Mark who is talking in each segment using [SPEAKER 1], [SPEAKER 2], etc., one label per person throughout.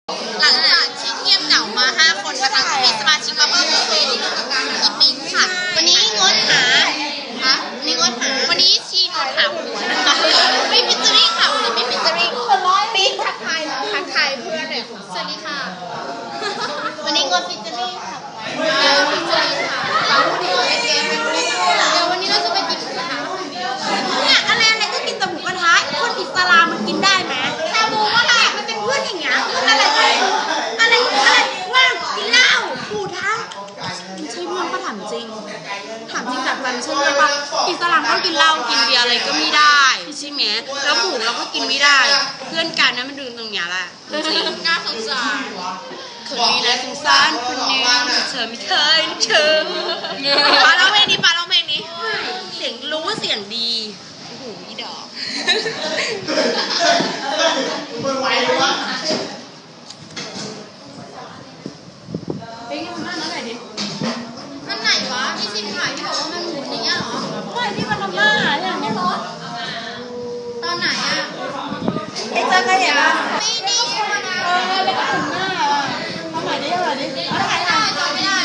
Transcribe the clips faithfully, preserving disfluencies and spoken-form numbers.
[SPEAKER 1] หลังจากที่เงียบเหงามาห้าคนนะคะก็มีสมาชิกมาเพิ่มเป็นอีปิงค่ะวันนี้งดหาฮะนี่งดหาวันนี้ชีงดหาผัวนะคะไม่ฟิชเจอริ่งค่ะวันนี้ไม่ฟิชเจอริ่งปิ๊งทักทายทักทายเพื่อนหน่อยสวัสดีค่ะวันนี้งดฟิชเจอริ่งค่ะฟิชเจอริ่งค่ะเดี๋ยววันนี้เราจะไปกินหมูกระทะเนี่ยอะไรอะไรก็กินแต่หมูกระทะคนอิสลามมันกินได้ไหมชาบูก็ได้มันเป็นเพื่อนอย่างเงี้ยอะไรอะไรอะไรว่างกินเหล้าปูท้าไม่ใช่เพื่อนก็ถามจริงถามจริงจากใจไม่ใช่เพื่อนปะอิสลามก็กินเหล้ากินเบียร์อะไรก็ไม่ได้ใช่ไหมแล้วหมูเราก็กินไม่ได้เพื่อนกันนะมันดูตรงเนี้ยแหละจริงน่าสงสารคนนี้นะสงสารคนนึงเธอไม่เคยนึกถึงปาเราเพลงนี้ปาเราเพลงนี้เสียงรู้ว่าเสียงดีโอ้โหอีดอกเฮ้ยทำหน้านั่นไหนดินั่นไหนวะที่ซิมถ่ายที่บอกว่ามันหมุนอย่างเงี้ยเหรอไม่ที่มันทำหน้าเนี่ยไม่รถตอนไหนอ่ะไอ้เจ้าใครเห็นปะไม่ได้เออแล้วก็ถึงหน้าอ่ะทำใหม่ดิทำใหม่ดิเอาถ่ายได้จำไม่ได้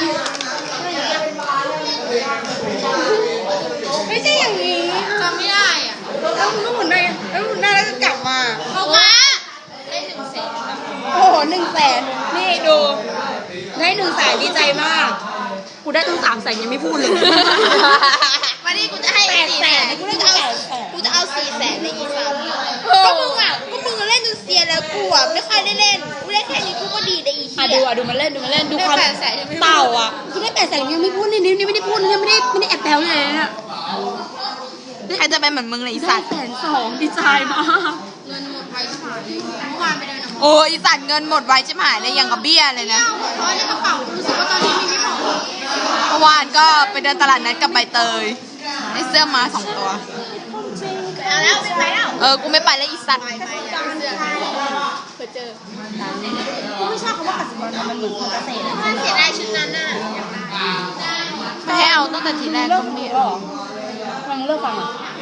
[SPEAKER 1] ไม่ใช่อย่างนี้จำไม่ได้อ่ะแล้วมันก็หมุนได้แล้วหมุนได้แล้วก็กลับมาเพราะว่าได้หนึ่งแสนโอ้โหหนึ่งแสนนี่ดูได้หนึ่งแสนดีใจมากกูได้ตั้งสามแสนยังไม่พูดเลยวันนี้กูจะให้แปดแสนกูจะเอากูจะเอาสี่แสนในอีสานก็มึงอ่ะก็มึงเล่นจนเซียนแล้วกูอ่ะไม่ค่อยได้เล่นกูเล่นแค่นี้กูก็ดีได้อีกทีอ่ะดูอ่ะดูมันเล่นดูมันเล่นดูความเต่าอ่ะกูได้แปดแสนยังไม่พูดนี่นี่ไม่ได้พูดยังไม่ได้ไม่ได้แอบแซวเลยเนี่ยใครจะเป็นเหมือนมึงเลยอีสัตว์แสนสองดีใจมากเงินหมดไปชิบหายเลยเมื่อวานไปเดินโอ้อีสัตว์เงินหมดไวชิบหายเลยยังกับเบี้ยเลยนะเพราะในกระเป๋ารู้สึกว่าตอนนี้มีไม่พอเมื่อวานก็ไปเดินตลาดนัดกับใบเตยได้เสื้อมาสองตัวเอาแล้วไม่ไปแล้วเออกูไม่ไปแล้วอีสัตว์เคยเจอกูไม่ชอบคำว่ากสิกรมันเหมือนคนเกษตรมันเสียดายชุดนั้นน่ะไม่ให้เอาตั้งแต่ทีแรกก็ไม่หรอฟังเลิกฟัง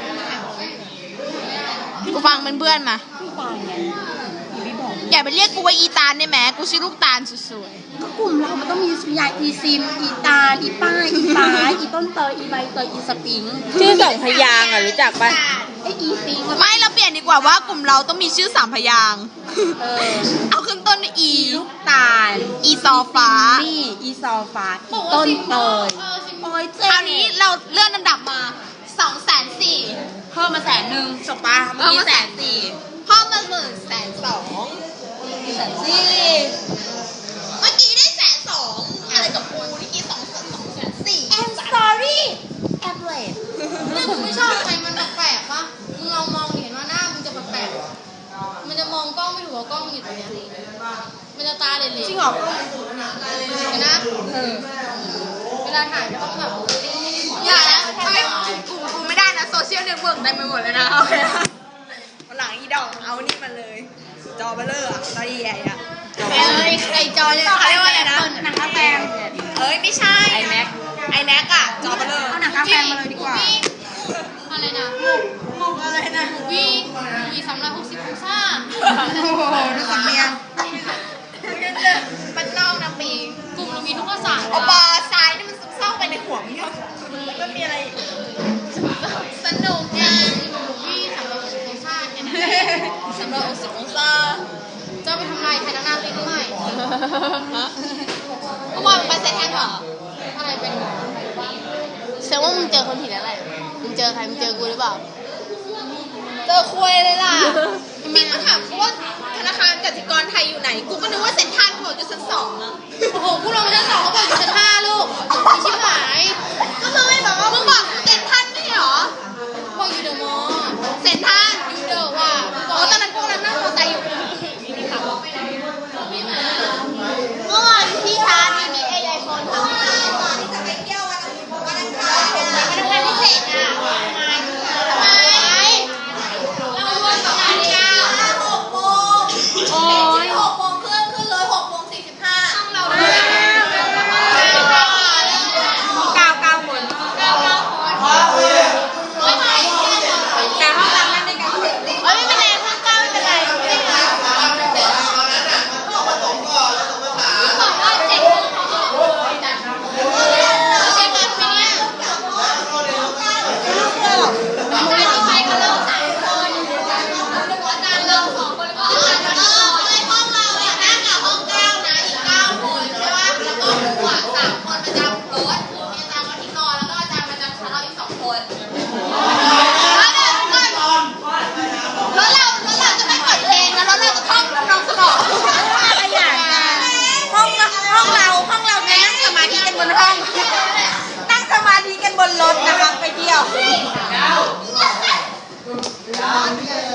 [SPEAKER 1] กูฟังเป็นเพื่อนมาอย่าไปเรียกกูว่าอีตาลได้ไหมกูชื่อลูกตาลสวยๆก็กลุ่มเรามันต้องมียายอีซิมอีตาลอีป้าอีป้าอีต้นเตยอีใบเตยอีสปริงชื่อสองพยางค์อ่ะรู้จักปะไออีซิงไม่เราเปลี่ยนดีกว่าว่ากลุ่มเราต้องมีชื่อสามพยางค์เอาขึ้นต้นอีลูกตาลอีซอฟ้านี่อีซอฟ้าอีต้นเตยโอ้ยเจ้านี้เราเลื่อนลำดับมาสองแสนสี่เพิ่มมาแสนหนึ่งจบปะเมื่อกี้แสนสี่เพิ่มมาหมื่นแสนสองแสนสี่เมื่อกี้ได้แสนสองอะไรกับกูเมื่อกี้สองแสนสองแสนสี่ I'm sorry I'm late เนี่ยมึงไม่ชอบใครมันแปลกๆปะมึงลองมองเห็นว่าหน้ามึงจะแปลกๆมันจะมองกล้องไม่ถูกว่ากล้องอยู่ตรงนี้มันจะตาเหล่ๆจริงเหรอเห็นนะเวลาถ่ายต้องแบบอย่าแล้วทำไมกูกูไม่ได้นะโซเชียลเน็ตเวิร์กเต็มไปหมดเลยนะโอเควันหลังอีดอกเอานี่มาเลยจอเบลเลอร์อะจอใหญ่ๆอะเอ้ยไอจอเนี่ยเขาเรียกว่าอะไรนะหนังกาแฟเอ้ยไม่ใช่ไอแม็กไอแม็กอะจอเบลเลอร์เอาหนังกาแฟมาเลยดีกว่าอะไรนะมุกอะไรนะวีวีสามร้อยหกสิบองศาโอ้โหดูสำเนียงมันนอกนะปีกลุ่มเรามีทุกภาษาเอาบอทรายนี่มันซึมเศร้าไปในหัวมึงแล้วมันมีอะไรสนุกจังวีสามร้อยหกสิบองศาแค่นั้นสามร้อยหกสิบองศาจะไปทำลายไทยนาเลยหรือไม่เมื่อวานไปเซ็นทรัลเหรออะไรเป็นแสดงว่ามึงเจอคนผิดแล้วแหละมึงเจอใครมึงเจอกูหรือเปล่าเจอคุยเลยล่ะบิ๊กก็ถามกูว่าธนาคารกสิกรไทยอยู่ไหนกูก็นึกว่าเซ็นทรัลกูบอกอยู่ชั้นสองอะโอ้โหกูลงมาชั้นสองเขาบอกอยู่ชั้นห้าลูกมีชิบหายก็มึงไม่บอกว่ามึงบอกกูเซ็นทรัลไม่เหรอบอกอยู่เดอะมอลล์เซ็นทรัลอยู่เดอะว่าบอกตอนนั้นกูนั่งมอเตอร์ไซค์อยู่เมื่อวานพี่ชาร์จมีไอไอโฟนทำไมวันนี้จะไปเที่ยววันวันอังคารวันอังคารพิเศษอ่ะทำไมเรารวมสองงานเดียวหกโมงโอ้ยหกร้องเลย